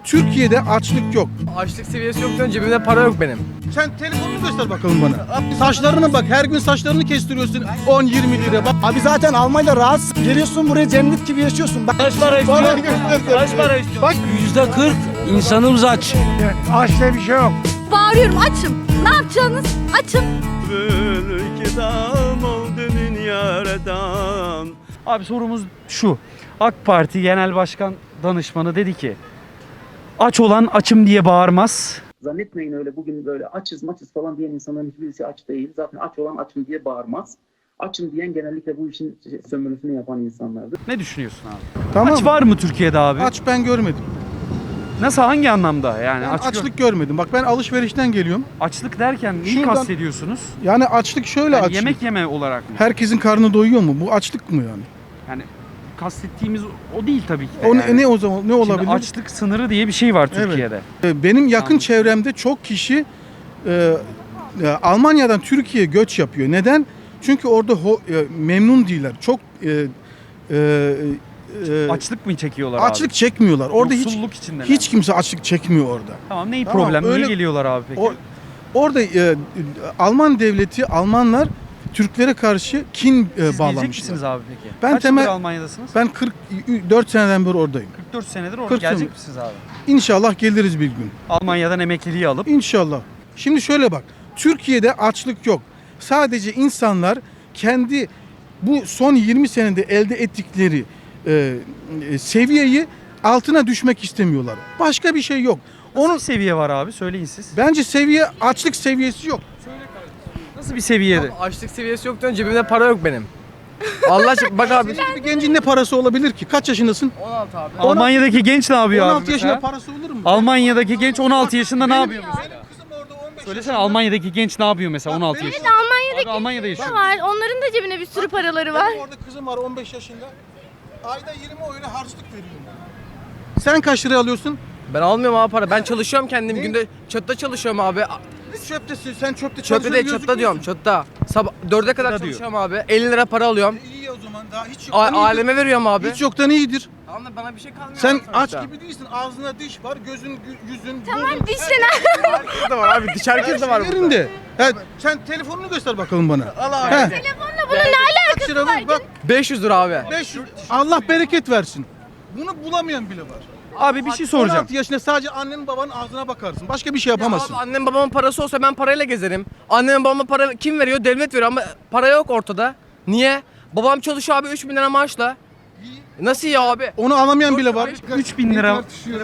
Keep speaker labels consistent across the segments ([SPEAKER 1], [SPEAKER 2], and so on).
[SPEAKER 1] Türkiye'de açlık yok.
[SPEAKER 2] Açlık seviyesi yok diyorsun, cebimde para yok benim.
[SPEAKER 1] Sen telefonunu göster bakalım bana. Saçlarına bak, her gün saçlarını kestiriyorsun 10-20 lira. Bak.
[SPEAKER 3] Abi zaten Almanya'da rahatsın. Geliyorsun buraya cennet gibi yaşıyorsun. Bak.
[SPEAKER 4] Kaç para istiyorsun? Kaç para istiyorsun?
[SPEAKER 1] Bak.
[SPEAKER 4] %40 insanımız aç.
[SPEAKER 3] Aç diye bir şey yok.
[SPEAKER 5] Bağırıyorum, açım. Ne yapacaksınız? Açım.
[SPEAKER 6] Abi sorumuz şu. AK Parti Genel Başkan Danışmanı dedi ki aç olan açım diye bağırmaz.
[SPEAKER 7] Zannetmeyin öyle bugün böyle açız maçız falan diyen insanların hiçbirisi aç değil. Zaten aç olan açım diye bağırmaz. Açım diyen genellikle bu işin sömürüsünü yapan insanlardır.
[SPEAKER 6] Ne düşünüyorsun abi?
[SPEAKER 1] Tamam.
[SPEAKER 6] Aç var mı Türkiye'de abi?
[SPEAKER 1] Aç ben görmedim.
[SPEAKER 6] Nasıl, hangi anlamda yani?
[SPEAKER 1] Ben
[SPEAKER 6] Aç
[SPEAKER 1] açlık görmedim. Bak ben alışverişten geliyorum.
[SPEAKER 6] açlık derken neyi
[SPEAKER 1] Şuradan-
[SPEAKER 6] kastediyorsunuz?
[SPEAKER 1] Yani açlık şöyle
[SPEAKER 6] Yani
[SPEAKER 1] açlık.
[SPEAKER 6] yemek yeme olarak mı?
[SPEAKER 1] Herkesin karnı doyuyor mu? Bu açlık mı yani?
[SPEAKER 6] Yani kastettiğimiz o değil tabii ki de.
[SPEAKER 1] O
[SPEAKER 6] yani.
[SPEAKER 1] ne o zaman ne
[SPEAKER 6] Şimdi
[SPEAKER 1] olabilir?
[SPEAKER 6] açlık sınırı diye bir şey var
[SPEAKER 1] Evet.
[SPEAKER 6] Türkiye'de.
[SPEAKER 1] Benim yakın
[SPEAKER 6] Anladım.
[SPEAKER 1] çevremde çok kişi Almanya'dan Türkiye'ye göç yapıyor. Neden? Çünkü orada memnun değiller. Çok
[SPEAKER 6] Açlık mı çekiyorlar
[SPEAKER 1] açlık
[SPEAKER 6] abi?
[SPEAKER 1] çekmiyorlar. Orada
[SPEAKER 6] Yoksulluk içindeler.
[SPEAKER 1] hiç kimse açlık çekmiyor orada.
[SPEAKER 6] Tamam, neyi
[SPEAKER 1] Tamam,
[SPEAKER 6] problem? Niye
[SPEAKER 1] öyle-
[SPEAKER 6] geliyorlar abi peki?
[SPEAKER 1] Orada Alman devleti, Almanlar Türklere karşı kin
[SPEAKER 6] Siz gelecek
[SPEAKER 1] bağlamışlar.
[SPEAKER 6] misiniz abi peki?
[SPEAKER 1] Ben
[SPEAKER 6] Kaç
[SPEAKER 1] temel-
[SPEAKER 6] yıldır Almanya'dasınız?
[SPEAKER 1] Ben 44 seneden beri oradayım.
[SPEAKER 6] 44 senedir orada.
[SPEAKER 1] 40
[SPEAKER 6] Gelecek
[SPEAKER 1] sene.
[SPEAKER 6] misiniz abi?
[SPEAKER 1] İnşallah geliriz bir gün.
[SPEAKER 6] Almanya'dan emekliliği alıp
[SPEAKER 1] İnşallah. Şimdi şöyle bak. Türkiye'de açlık yok. Sadece insanlar kendi bu son 20 senede elde ettikleri seviyeyi altına düşmek istemiyorlar. Başka bir şey yok.
[SPEAKER 6] nasıl
[SPEAKER 1] Onun
[SPEAKER 6] bir seviye var abi? Söyleyin siz.
[SPEAKER 1] bence açlık seviyesi yok.
[SPEAKER 6] Nasıl bir seviyede?
[SPEAKER 2] Abi açlık seviyesi yok diyorsun, cebimde para yok benim. Allah aşkına bak abi.
[SPEAKER 1] Bir gencin ne parası olabilir ki? Kaç yaşındasın?
[SPEAKER 2] 16 abi.
[SPEAKER 6] Almanya'daki genç ne yapıyor
[SPEAKER 1] 16
[SPEAKER 6] abi
[SPEAKER 1] yaşında
[SPEAKER 6] mesela?
[SPEAKER 1] parası olur mu?
[SPEAKER 6] Almanya'daki genç 16 yaşında ne yapıyor
[SPEAKER 1] Benim
[SPEAKER 6] mesela?
[SPEAKER 1] kızım orada 15
[SPEAKER 6] Söylesene, Almanya'daki genç ne yapıyor mesela 16
[SPEAKER 1] benim-
[SPEAKER 6] yaşında? Abi Almanya'da yaşıyor.
[SPEAKER 5] Var. Onların da cebine bir sürü paraları var.
[SPEAKER 1] Benim orada kızım var 15 yaşında. Ayda 20 öyle harçlık veriyorum. Sen kaç lira alıyorsun?
[SPEAKER 2] Ben almıyorum abi para. Ben çalışıyorum kendim. Günde çöpte çalışıyorum abi.
[SPEAKER 1] Çöptesin. Sen çöpte
[SPEAKER 2] Çöpte değil, çöpte diyorum. Çöpte. Sabah 4'e kadar
[SPEAKER 6] Çöpte diyor.
[SPEAKER 2] çalışıyorum abi. 50 lira para alıyorum.
[SPEAKER 1] İyi o zaman daha hiç yoktan iyidir.
[SPEAKER 2] Aileme veriyorum abi.
[SPEAKER 1] Hiç yoktan iyidir.
[SPEAKER 2] Tamam da bana bir şey kalmıyor.
[SPEAKER 1] Sen
[SPEAKER 2] abi
[SPEAKER 1] aç
[SPEAKER 2] sonuçta.
[SPEAKER 1] gibi değilsin. Ağzına diş var, yüzün,
[SPEAKER 5] Tamam,
[SPEAKER 1] burnun.
[SPEAKER 5] dişlen.
[SPEAKER 2] Herkes de var abi. Diş herkes de var burada.
[SPEAKER 1] Yerinde. Ha, sen telefonunu göster bakalım bana.
[SPEAKER 2] Allah
[SPEAKER 1] He.
[SPEAKER 5] Telefonla bunun ne
[SPEAKER 1] Kaç lira bu? Bak
[SPEAKER 2] 500 lira abi.
[SPEAKER 1] 500. Allah bereket versin. Bunu bulamayan bile var.
[SPEAKER 6] Abi bir şey soracağım.
[SPEAKER 1] 16 yaşında sadece annenin babanın ağzına bakarsın. Başka bir şey
[SPEAKER 2] Ya
[SPEAKER 1] yapamazsın.
[SPEAKER 2] abi annem babamın parası olsa ben parayla gezerim. Annem babama para kim veriyor? Devlet veriyor ama para yok ortada. Niye? Babam çalışıyor abi 3.000 lira maaşla. Nasıl ya abi?
[SPEAKER 1] Onu alamayan bile var.
[SPEAKER 6] 3000 lira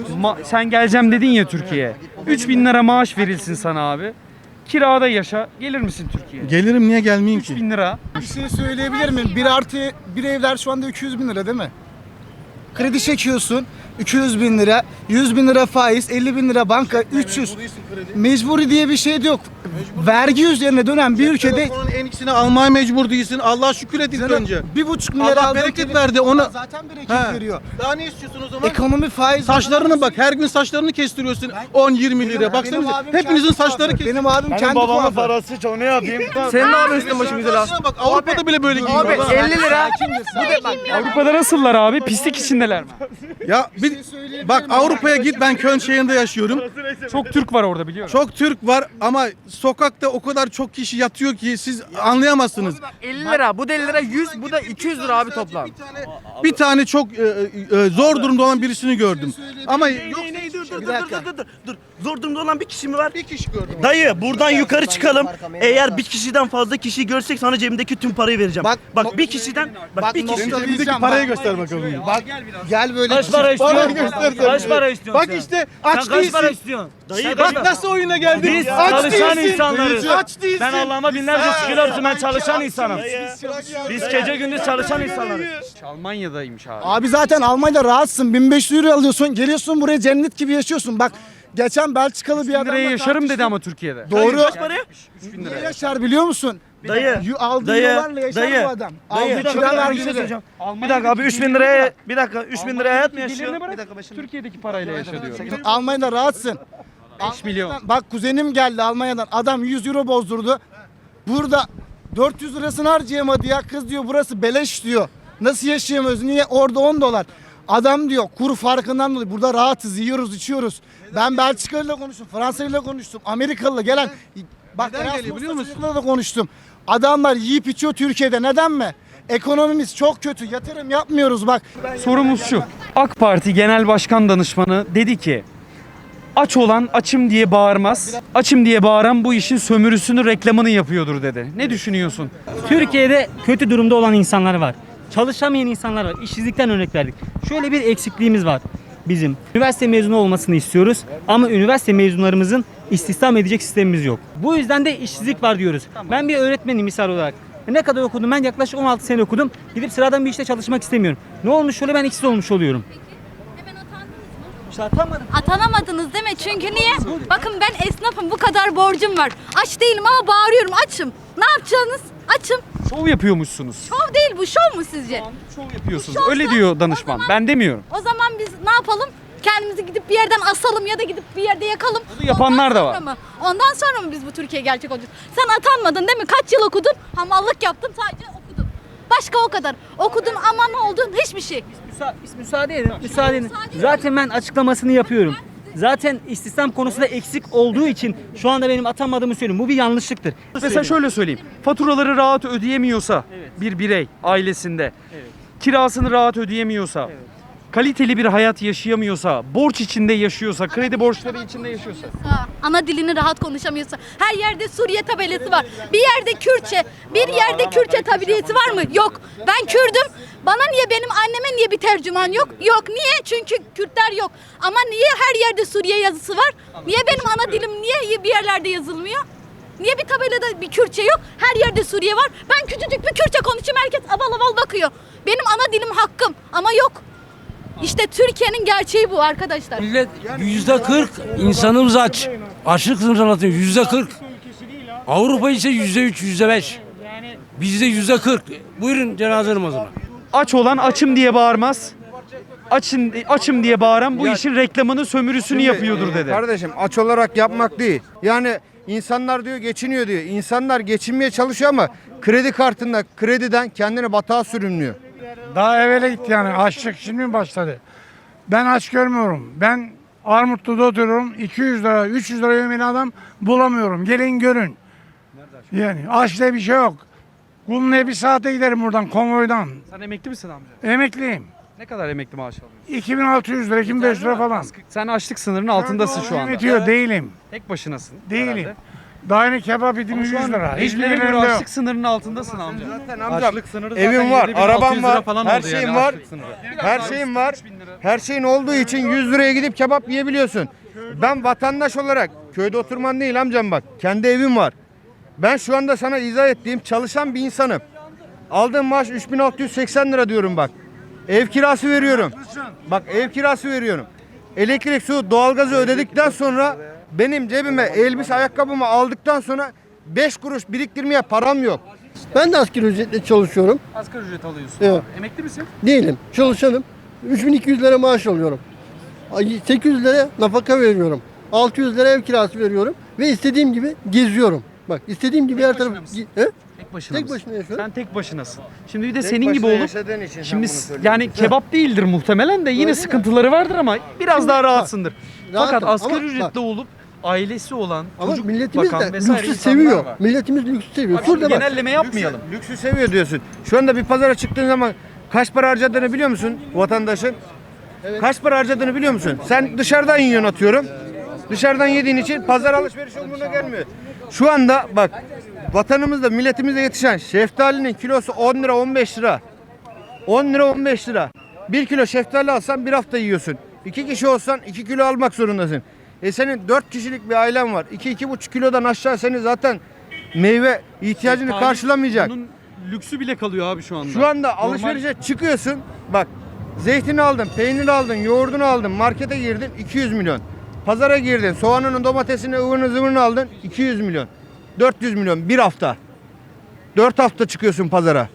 [SPEAKER 6] sen geleceğim dedin ya Türkiye'ye. 3000 lira maaş verilsin sana abi. Kirada yaşa. Gelir misin Türkiye'ye?
[SPEAKER 1] Gelirim niye gelmeyeyim ki?
[SPEAKER 6] 3000 lira.
[SPEAKER 3] Bir şey söyleyebilir miyim? 1+1 evler şu anda 200 bin lira değil mi? Kredi çekiyorsun 200 bin lira, 100 bin lira faiz, 50 bin lira banka, 300. Mecburi diye bir şey de yok. Vergi üzerine dönen bir ülkede
[SPEAKER 1] Telefonun en ikisini almaya mecbur değilsin. Allah'a şükür et ilk önce.
[SPEAKER 3] 1,5 milyar
[SPEAKER 1] Allah
[SPEAKER 3] aldığın
[SPEAKER 1] bereket
[SPEAKER 3] kredi-
[SPEAKER 1] verdi onu.
[SPEAKER 3] Zaten bereket
[SPEAKER 1] He.
[SPEAKER 3] veriyor.
[SPEAKER 1] Daha ne istiyorsun o zaman?
[SPEAKER 3] Ekonomi faiz.
[SPEAKER 1] Saçlarına bak, her gün saçlarını kestiriyorsun 10-20 lira.
[SPEAKER 3] Benim
[SPEAKER 1] Baksanıza
[SPEAKER 3] abim
[SPEAKER 1] hepinizin
[SPEAKER 3] kendi
[SPEAKER 1] saçları
[SPEAKER 3] kuaför.
[SPEAKER 1] kesiliyor.
[SPEAKER 3] Benim abim kendi kuaför.
[SPEAKER 4] parası çok, ne yapayım?
[SPEAKER 2] Senin ne yapıyorsun üstüne başım güzel abi?
[SPEAKER 1] Saçlarına bak, Avrupa'da bile böyle
[SPEAKER 2] Abi
[SPEAKER 1] giyiyorlar.
[SPEAKER 2] 50 lira.
[SPEAKER 6] Avrupa'da nasıllar abi? Pislik içindeler mi?
[SPEAKER 1] Ya bak Avrupa'ya git, ben Köln şehrinde yaşıyorum.
[SPEAKER 6] Çok Türk var orada biliyorum.
[SPEAKER 1] Çok Türk var ama sokakta o kadar çok kişi yatıyor ki siz anlayamazsınız.
[SPEAKER 2] 50 lira. Bu da 50 lira 100, bu da 200 lira abi toplam.
[SPEAKER 1] Bir tane çok zor durumda olan birisini gördüm. Ama yok
[SPEAKER 4] Dur. Zor durumda olan bir kişi mi var?
[SPEAKER 1] bir kişi gördüm.
[SPEAKER 4] Dayı buradan yukarı çıkalım. Eğer bir kişiden fazla kişi görsek sana cebimdeki tüm parayı vereceğim. Bak bir kişiden
[SPEAKER 3] Bak,
[SPEAKER 4] bir kişi.
[SPEAKER 3] nokta-
[SPEAKER 1] Cebindeki parayı göster bakalım.
[SPEAKER 3] Bak gel böyle
[SPEAKER 4] Kaç para
[SPEAKER 1] Bana
[SPEAKER 4] istiyorsun?
[SPEAKER 1] göster.
[SPEAKER 4] Kaç para istiyorsun?
[SPEAKER 1] Bak
[SPEAKER 4] sen?
[SPEAKER 1] işte
[SPEAKER 4] Sen
[SPEAKER 1] aç
[SPEAKER 4] kaç para
[SPEAKER 1] değilsin.
[SPEAKER 4] istiyorsun? Dayı
[SPEAKER 1] Bak nasıl oyuna geldin.
[SPEAKER 4] Biz
[SPEAKER 1] Aç
[SPEAKER 4] çalışan
[SPEAKER 1] değilsin.
[SPEAKER 4] insanlarız.
[SPEAKER 1] Aç değilsin.
[SPEAKER 4] Ben Allah'ıma binlerce şükürler olsun, ben çalışan insanım. Biz gece gündüz çalışan insanlarız.
[SPEAKER 6] Almanya'daymış abi.
[SPEAKER 3] Abi zaten Almanya'da rahatsın. 1500 euro alıyorsun. Geliyorsun buraya cennet gibi yaşıyorsun. Bak geçen Belçikalı bir
[SPEAKER 6] 1000
[SPEAKER 3] adamla
[SPEAKER 6] liraya yaşarım dedi
[SPEAKER 3] tartıştım.
[SPEAKER 6] ama Türkiye'de.
[SPEAKER 3] Doğru.
[SPEAKER 4] Kaç paraya?
[SPEAKER 6] 3000
[SPEAKER 3] Ne
[SPEAKER 6] liraya.
[SPEAKER 3] yaşar biliyor musun?
[SPEAKER 4] Dayı,
[SPEAKER 3] Aldığı
[SPEAKER 4] dayı,
[SPEAKER 3] dolarla yaşar
[SPEAKER 4] dayı,
[SPEAKER 3] bu adam.
[SPEAKER 4] dayı.
[SPEAKER 3] Aldığı kira
[SPEAKER 4] Bir
[SPEAKER 3] vergisi
[SPEAKER 4] şey
[SPEAKER 3] de.
[SPEAKER 4] söyleyeceğim. Bir dakika abi 3000 liraya, bir dakika 3000 liraya hayat mı yaşıyor?
[SPEAKER 6] Gelirini bırak,
[SPEAKER 4] Bir dakika başım.
[SPEAKER 6] Türkiye'deki parayla yaşa diyorum.
[SPEAKER 3] Almanya'da rahatsın.
[SPEAKER 6] 5 milyon.
[SPEAKER 3] Bak kuzenim geldi Almanya'dan. Adam 100 euro bozdurdu. Burada 400 lirasını harcayamadı ya. Kız diyor burası beleş diyor. Nasıl yaşayamıyoruz? Niye? Orada 10 dolar. Adam diyor kur farkından dolayı burada rahatız, yiyoruz, içiyoruz. Ben Belçikalı'yla konuştum, Fransa'yla konuştum, Amerikalı'la gelen bak
[SPEAKER 1] Neden geliyor
[SPEAKER 3] Erasmus'la
[SPEAKER 1] biliyor musun?
[SPEAKER 3] çocuklarla da konuştum. Adamlar yiyip içiyor Türkiye'de. Neden mi? Ekonomimiz çok kötü. Yatırım yapmıyoruz bak.
[SPEAKER 6] Sorumuz şu. AK Parti Genel Başkan Danışmanı dedi ki aç olan açım diye bağırmaz. Açım diye bağıran bu işin sömürüsünü, reklamını yapıyordur dedi. Ne düşünüyorsun?
[SPEAKER 8] Türkiye'de kötü durumda olan insanlar var. Çalışamayan insanlar var. İşsizlikten örnek verdik. Şöyle bir eksikliğimiz var bizim. Üniversite mezunu olmasını istiyoruz ama üniversite mezunlarımızın istihdam edecek sistemimiz yok. Bu yüzden de işsizlik var diyoruz. Ben bir öğretmenim misal olarak. Ne kadar okudum? Ben yaklaşık 16 sene okudum. Gidip sıradan bir işte çalışmak istemiyorum. Ne olmuş şöyle ben işsiz olmuş oluyorum.
[SPEAKER 5] Hemen atandınız mı?
[SPEAKER 8] İşte atamadım.
[SPEAKER 5] Atanamadınız değil mi? Çünkü niye? Bakın ben esnafım, bu kadar borcum var. Aç değilim ama bağırıyorum, açım. Ne yapacaksınız? Açım.
[SPEAKER 6] Şov yapıyormuşsunuz.
[SPEAKER 5] Şov değil bu, şov mu sizce?
[SPEAKER 6] Şov yapıyorsunuz.
[SPEAKER 5] Şovsa
[SPEAKER 6] Öyle diyor danışman.
[SPEAKER 5] o zaman-
[SPEAKER 6] Ben demiyorum.
[SPEAKER 5] O zaman biz ne yapalım? Kendimizi gidip bir yerden asalım ya da gidip bir yerde yakalım.
[SPEAKER 6] Bunu yapanlar
[SPEAKER 5] Ondan
[SPEAKER 6] da
[SPEAKER 5] sonra
[SPEAKER 6] var.
[SPEAKER 5] mı? Ondan sonra mı biz bu Türkiye gerçek olacağız? Sen atanmadın değil mi? Kaç yıl okudun? Hamallık yaptın, sadece okudun. Başka o kadar. Okudun ama ne oldu? Hiçbir şey.
[SPEAKER 8] Müsaade edin. Müsaade edin. Zaten ben açıklamasını yapıyorum. Zaten istihdam konusunda eksik olduğu için şu anda benim atamadığımı söylüyorum. Bu bir yanlışlıktır.
[SPEAKER 6] Mesela şöyle söyleyeyim. Faturaları rahat ödeyemiyorsa bir birey ailesinde, kirasını rahat ödeyemiyorsa, kaliteli bir hayat yaşayamıyorsa, borç içinde yaşıyorsa, kredi borçları içinde yaşıyorsa.
[SPEAKER 5] Ana dilini rahat konuşamıyorsa, her yerde Suriye tabelası var. Bir yerde Kürtçe, bir yerde Kürtçe tabelası var mı? Yok. Ben Kürdüm. Bana niye, benim anneme niye bir tercüman yok? Yok. Niye? Çünkü Kürtler yok. Ama niye her yerde Suriye yazısı var? Niye benim ana dilim niye bir yerlerde yazılmıyor? Niye bir tabelada bir Kürtçe yok? Her yerde Suriye var. Ben küçücük bir Kürtçe konuşayım, herkes aval aval bakıyor. Benim ana dilim hakkım ama yok. İşte Türkiye'nin gerçeği bu arkadaşlar.
[SPEAKER 9] Millet %40 insanımız aç. Açlık sınırı anlatıyor %40. Avrupa ise %3, %5. Bizde %40. Buyurun cenaze namazına.
[SPEAKER 6] Aç olan açım diye bağırmaz. Açım diye bağıran bu işin reklamını, sömürüsünü yapıyordur dedi.
[SPEAKER 10] Kardeşim aç olarak yapmak değil. Yani insanlar diyor geçiniyor diyor. İnsanlar geçinmeye çalışıyor ama kredi kartında krediden kendini batağa sürünüyor.
[SPEAKER 11] Daha evvela gitti yani. Açlık şimdi mi başladı? Ben aç görmüyorum. Ben Armutlu'da oturuyorum. 200 lira, 300 lira yemeğini adam bulamıyorum. Gelin görün. Yani aç diye bir şey yok. Kulunlu'ya bir saate giderim buradan konvoydan.
[SPEAKER 6] Sen emekli misin amca?
[SPEAKER 11] Emekliyim.
[SPEAKER 6] Ne kadar emekli maaş alıyorsun?
[SPEAKER 11] 2600 lira, 2500 lira falan.
[SPEAKER 6] Sen açlık sınırının altındasın şu anda.
[SPEAKER 11] Yönetiyor değilim.
[SPEAKER 6] Tek başınasın.
[SPEAKER 11] Değilim.
[SPEAKER 6] herhalde.
[SPEAKER 11] Daha yeni kebap yedim
[SPEAKER 6] Ama
[SPEAKER 11] 100
[SPEAKER 6] şu an
[SPEAKER 11] lira. Hiçbir
[SPEAKER 6] rejimlere göre
[SPEAKER 11] yerimde yok.
[SPEAKER 6] açlık sınırının altındasın amca.
[SPEAKER 10] Zaten amcam evim var, arabam var, her şeyim var. Her şeyim var. Her şeyin olduğu için 100 liraya gidip kebap yiyebiliyorsun. Ben vatandaş olarak köyde oturman değil amcam bak. Kendi evim var. Ben şu anda sana izah ettiğim çalışan bir insanım. Aldığım maaş 3680 lira diyorum bak. Ev kirası veriyorum. Bak ev kirası veriyorum. Elektrik, su, doğalgazı ödedikten sonra benim cebime elbise, ayakkabımı aldıktan sonra 5 kuruş biriktirmeye param yok.
[SPEAKER 12] Ben de asgari ücretle çalışıyorum.
[SPEAKER 6] Asgari ücret alıyorsun.
[SPEAKER 12] Evet.
[SPEAKER 6] Emekli misin?
[SPEAKER 12] Değilim. Çalışanım. 3200 lira maaş alıyorum. 800 lira nafaka veriyorum. 600 lira ev kirası veriyorum. Ve istediğim gibi geziyorum. Bak istediğim gibi her tarafı...
[SPEAKER 6] Tek başına
[SPEAKER 12] Tek
[SPEAKER 6] mısın?
[SPEAKER 12] başına yaşıyorum.
[SPEAKER 6] Sen tek başınasın. Şimdi bir de
[SPEAKER 10] Tek
[SPEAKER 6] senin gibi
[SPEAKER 10] başına
[SPEAKER 6] olup
[SPEAKER 10] yaşadığın için sen
[SPEAKER 6] şimdi
[SPEAKER 10] bunu söylüyorsun.
[SPEAKER 6] yani kebap değildir muhtemelen de yine
[SPEAKER 12] Öyle
[SPEAKER 6] sıkıntıları vardır ama biraz
[SPEAKER 12] Şimdi
[SPEAKER 6] daha
[SPEAKER 12] bak,
[SPEAKER 6] rahatsındır. Fakat
[SPEAKER 12] rahatım
[SPEAKER 6] asgari
[SPEAKER 12] ama
[SPEAKER 6] ücretli olup ailesi olan,
[SPEAKER 12] Ama
[SPEAKER 6] çocuk
[SPEAKER 12] milletimiz
[SPEAKER 6] bakan
[SPEAKER 12] de
[SPEAKER 6] vesaire
[SPEAKER 12] lüksü
[SPEAKER 6] insanlar
[SPEAKER 12] seviyor.
[SPEAKER 6] var.
[SPEAKER 12] Milletimiz lüksü seviyor.
[SPEAKER 6] Abi şimdi
[SPEAKER 12] Şurada bak.
[SPEAKER 6] genelleme yapmayalım.
[SPEAKER 10] Lüksü seviyor diyorsun. Şu anda bir pazara çıktığın zaman kaç para harcadığını biliyor musun vatandaşın? Kaç para harcadığını biliyor musun? Sen dışarıdan yiyorsun atıyorum. Dışarıdan yediğin için pazar alışveriş umuruna gelmiyor. Şu anda bak vatanımızda milletimizde yetişen şeftalinin kilosu 10 lira 15 lira. 10 lira 15 lira. 1 kilo şeftali alsan bir hafta yiyorsun. 2 kişi olsan 2 kilo almak zorundasın. Senin 4 kişilik bir ailen var. 2-2,5 kilodan aşağı seni zaten meyve ihtiyacını
[SPEAKER 6] Şeftali,
[SPEAKER 10] karşılamayacak.
[SPEAKER 6] Bunun lüksü bile kalıyor abi şu anda.
[SPEAKER 10] Şu anda
[SPEAKER 6] Normal-
[SPEAKER 10] alışverişe çıkıyorsun. Bak zeytini aldın, peynir aldın, yoğurdunu aldın, markete girdin 200 milyon. Pazara girdin, soğanını, domatesini, ıvırını zıvırını aldın 200 milyon. 400 milyon bir hafta. 4 hafta çıkıyorsun pazara.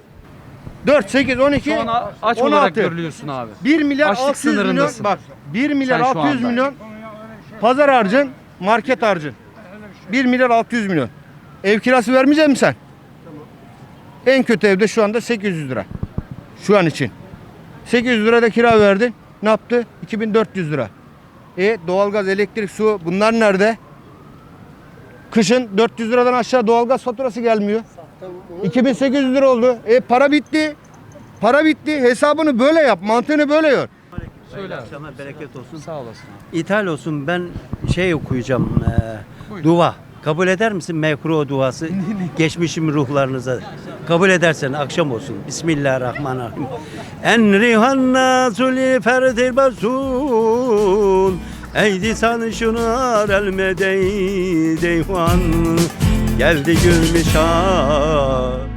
[SPEAKER 10] 4, 8, 12,
[SPEAKER 6] Şu an aç
[SPEAKER 10] 16.
[SPEAKER 6] olarak görülüyorsun abi.
[SPEAKER 10] 1 milyar
[SPEAKER 6] Açlık
[SPEAKER 10] 600 milyon.
[SPEAKER 6] sınırındasın.
[SPEAKER 10] Bak 1 milyar
[SPEAKER 6] Sen şu
[SPEAKER 10] 600
[SPEAKER 6] anda.
[SPEAKER 10] milyon pazar harcın, market harcın. 1 milyar 600 milyon. Ev kirası vermeyecek misin sen? En kötü evde şu anda 800 lira. Şu an için. 800 lira da kira verdin. Ne yaptı? 2400 lira. Doğalgaz, elektrik, su bunlar nerede? Kışın 400 liradan aşağı doğalgaz faturası gelmiyor. 2800 lira oldu. Para bitti. Para bitti. Hesabını böyle yap. Mantığını böyle yor.
[SPEAKER 6] Söyle abi.
[SPEAKER 13] Akşamlar bereket olsun.
[SPEAKER 6] Sağ olasın.
[SPEAKER 13] İthal olsun, ben şey okuyacağım. Dua. Kabul eder misin mekruh duası? Geçmişim ruhlarınıza. Kabul edersen akşam olsun. Bismillahirrahmanirrahim. En rihanna suli ferdil basul. Eydi sanışınar elmedey deyvan. Geldi gülmüşah.